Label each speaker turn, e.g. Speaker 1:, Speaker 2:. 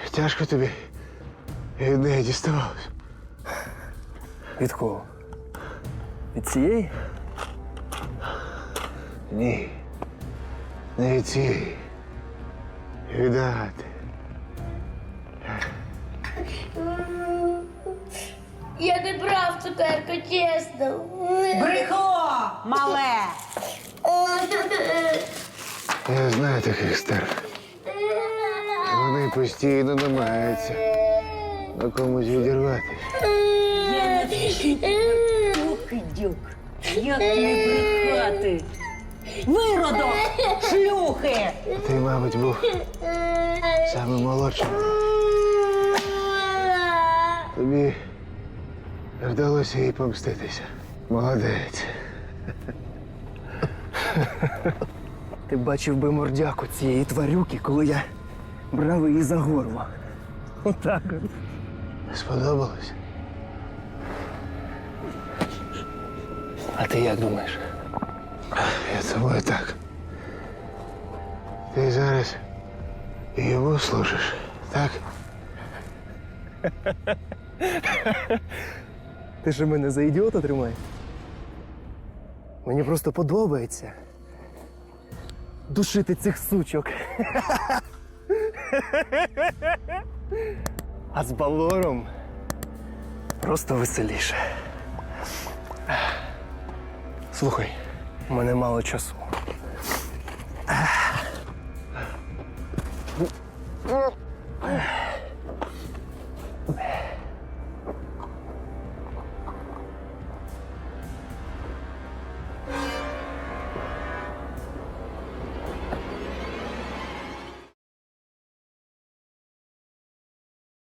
Speaker 1: Тяжко тобі від неї діставалось.
Speaker 2: Від кого? Від цієї?
Speaker 1: Ні. Не від цієї. Від Агати.
Speaker 3: Я не брав цукерку, чесно.
Speaker 4: Брехло, мале!
Speaker 1: Я знаю таких старих. Вони постійно намагаються на комусь відірватися.
Speaker 4: Дюк, як не брехати? Виродок! Шлюхи!
Speaker 1: Ти, мабуть, був самим молодшим. Тобі вдалося їй помститися. Молодець.
Speaker 2: Ти бачив би мордяку цієї тварюки, коли я брав її за горло. Отак.
Speaker 1: Сподобалось?
Speaker 2: А ти як думаєш?
Speaker 1: Я думаю так. Ти зараз йому служиш, так?
Speaker 2: Ти ж мене за ідіота тримаєш? Мені просто подобається душити цих сучок. А з Балором просто веселіше. Слухай, у мене мало часу.